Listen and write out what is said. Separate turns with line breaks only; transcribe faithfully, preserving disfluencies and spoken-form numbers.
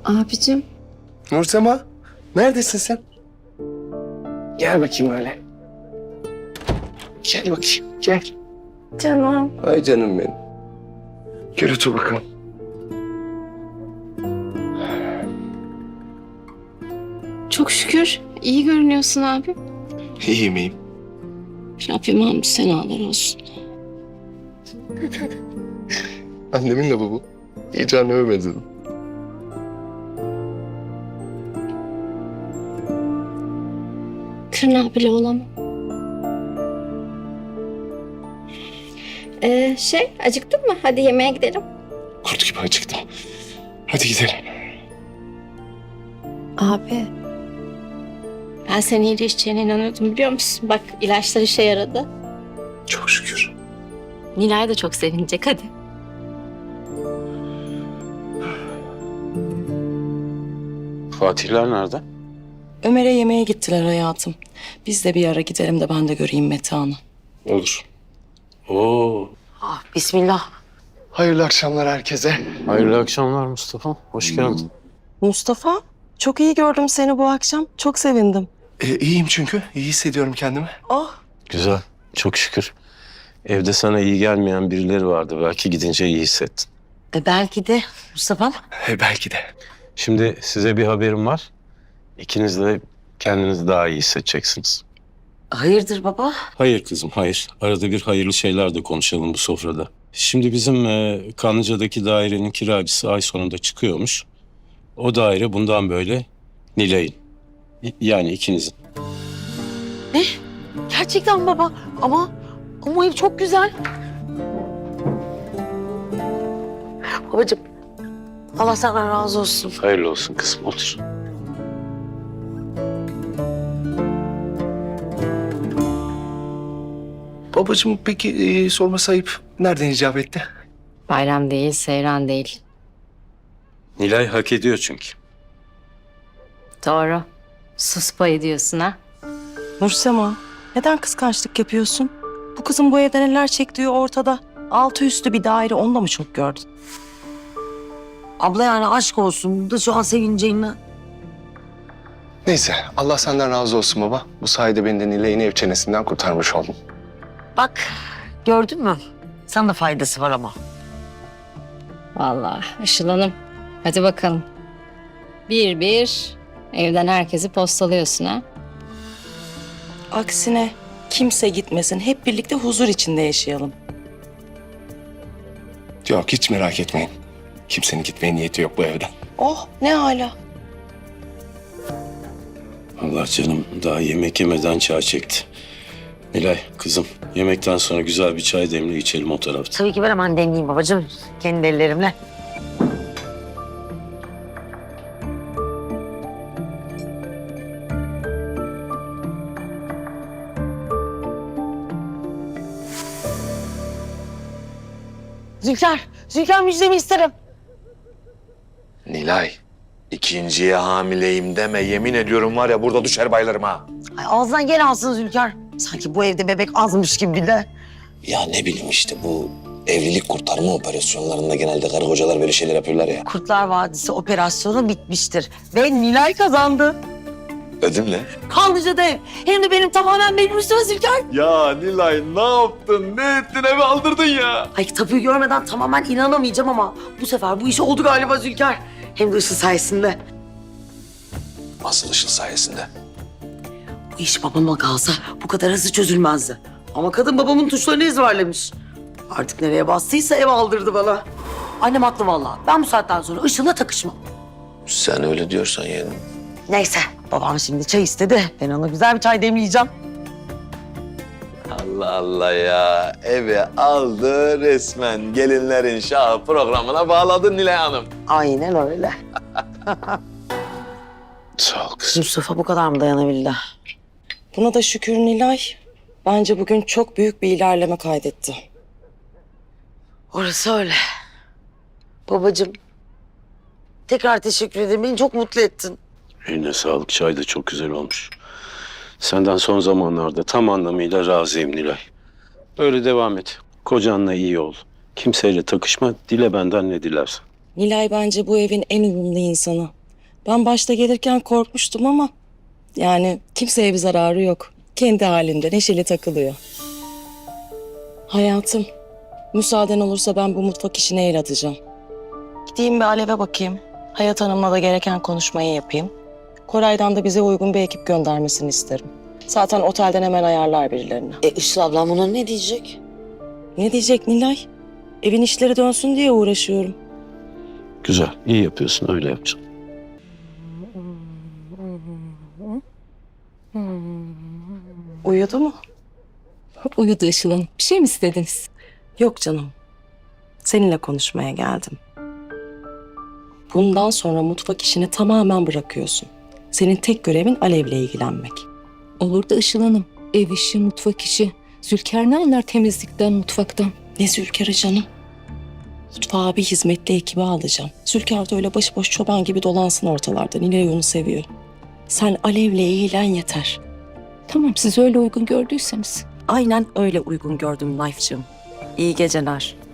Abicim.
Nursema, neredesin sen? Gel bakayım öyle. Gel bakayım, gel.
Canım.
Ay canım benim. Gel otur bakalım.
Çok şükür iyi görünüyorsun abi.
İyiyim iyiyim.
Rabbim hamdü senalar olsun.
Annemin lafı bu. İyice anneme benzedim.
Tırnağı bile olamam. Ee, şey acıktın mı? Hadi yemeğe gidelim.
Kurt gibi acıktım. Hadi gidelim.
Abi. Ben senin iyileşeceğine inanıyordum biliyor musun? Bak ilaçlar işe yaradı.
Çok şükür.
Nilay da çok sevinecek hadi.
Fatihler nerede?
Ömer'e yemeğe gittiler hayatım. Biz de bir ara gidelim de ben de göreyim Metehan'ı.
Olur. Oo,
Ah, bismillah.
Hayırlı akşamlar herkese.
hayırlı akşamlar Mustafa. Hoş geldin.
Mustafa, çok iyi gördüm seni bu akşam. Çok sevindim.
Ee, iyiyim çünkü. İyi hissediyorum kendimi.
Oh,
Güzel, çok şükür. Evde sana iyi gelmeyen birileri vardı. Belki gidince iyi hissettin.
E belki de Mustafa'm.
Ee, belki de.
Şimdi size bir haberim var. İkiniz de kendinizi daha iyi hissedeceksiniz.
Hayırdır baba?
Hayır kızım, hayır. Arada bir hayırlı şeyler de konuşalım bu sofrada. Şimdi bizim e, Kanlıca'daki dairenin kiracısı ay sonunda çıkıyormuş. O daire bundan böyle Nilay'ın. Y- Yani ikinizin.
Gerçekten baba. Ama ama ev çok güzel. Babacığım, Allah senden razı olsun.
Hayırlı olsun kızım, otur.
Babacığım peki e, sorması ayıp. Nereden icap etti?
Bayram değil, seyran değil.
Nilay hak ediyor çünkü.
Doğru. Sus payı diyorsun ha.
Nursema, neden kıskançlık yapıyorsun? Bu kızın bu evde neler çektiği ortada. Altı üstü bir daire, onu da mı çok gördün?
Abla yani aşk olsun. Bu da şu an sevineceğinle.
Neyse Allah senden razı olsun baba. Bu sayede beni de Nilay'ın ev çenesinden kurtarmış oldun.
Bak, gördün mü? Sana da faydası var ama.
Vallahi Işıl Hanım. Hadi bakalım. Bir bir evden herkesi postalıyorsun ha.
Aksine kimse gitmesin. Hep birlikte huzur içinde yaşayalım.
Yok hiç merak etmeyin. Kimsenin gitmeye niyeti yok bu evden.
Oh, ne hala.
Allah canım daha yemek yemeden çay çekti. Nilay kızım yemekten sonra güzel bir çay demli içelim o tarafta.
Tabii ki ben hemen demleyeyim babacığım. Kendi ellerimle. Zülker, Zülker müjdemi isterim.
Nilay, ikinciye hamileyim deme. Yemin ediyorum var ya burada düşer baylarım ha.
Ay, ağzından gel alsın Zülker. Sanki bu evde bebek azmış gibi bir de.
Ya ne bileyim işte bu evlilik kurtarma operasyonlarında genelde karı kocalar böyle şeyler yapıyorlar ya.
Kurtlar Vadisi operasyonu bitmiştir. Ve Nilay kazandı.
Ödümle.
Kanlıca'da ev. Hem de benim tamamen benim üstüme Zülker.
Ya Nilay ne yaptın? Ne ettin? Evi aldırdın ya.
Ay tapuyu görmeden tamamen inanamayacağım ama bu sefer bu iş oldu galiba Zülker. Hem de Işıl sayesinde.
Asıl Işıl sayesinde.
Bu iş babama kalsa bu kadar hızlı çözülmezdi. Ama kadın babamın tuşlarını ezberlemiş. Artık nereye bastıysa ev aldırdı bana. Annem haklı vallahi. Ben bu saatten sonra Işıl'la takışmam.
Sen öyle diyorsan yeğenim.
Neyse babam şimdi çay istedi. Ben ona güzel bir çay demleyeceğim.
Allah Allah ya. Evi aldı resmen. Gelinlerin şahı programına bağladın Nilay Hanım.
Aynen öyle.
Sağ ol kızım.
Mustafa bu kadar mı dayanabildi?
Buna da şükür Nilay. Bence bugün çok büyük bir ilerleme kaydetti.
Orası öyle. Babacığım. Tekrar teşekkür ederim. Beni çok mutlu ettin.
Eline sağlık çay da çok güzel olmuş. Senden son zamanlarda tam anlamıyla razıyım Nilay. Öyle devam et. Kocanla iyi ol. Kimseyle takışma. Dile benden ne dilersen.
Nilay bence bu evin en uyumlu insanı. Ben başta gelirken korkmuştum ama yani kimseye bir zararı yok. Kendi halinde neşeli takılıyor. Hayatım, müsaaden olursa ben bu mutfak işine el atacağım. Gideyim bir Alev'e bakayım. Hayat Hanım'la da gereken konuşmayı yapayım. Koray'dan da bize uygun bir ekip göndermesini isterim. Zaten otelden hemen ayarlar birilerini.
E Işıl ablam buna ne diyecek?
Ne diyecek Nilay? Evin işleri dönsün diye uğraşıyorum.
Güzel, iyi yapıyorsun, öyle yapacaksın.
Uyudu mu?
Uyudu Işıl Hanım. Bir şey mi istediniz?
Yok canım. Seninle konuşmaya geldim. Bundan sonra mutfak işini tamamen bırakıyorsun. Senin tek görevin Alev'le ilgilenmek.
Olur da Işıl Hanım. Ev işi, mutfak işi. Zülker ne anlar temizlikten, mutfaktan?
Ne Zülkar'ı canım? Mutfağa bir hizmetli ekibi alacağım. Zülkar da öyle başıboş çoban gibi dolansın ortalarda. Nilay onu seviyor. Sen Alev'le ilgilen yeter.
Tamam, siz öyle uygun gördüyseniz.
Aynen öyle uygun gördüm Life'cığım. İyi geceler.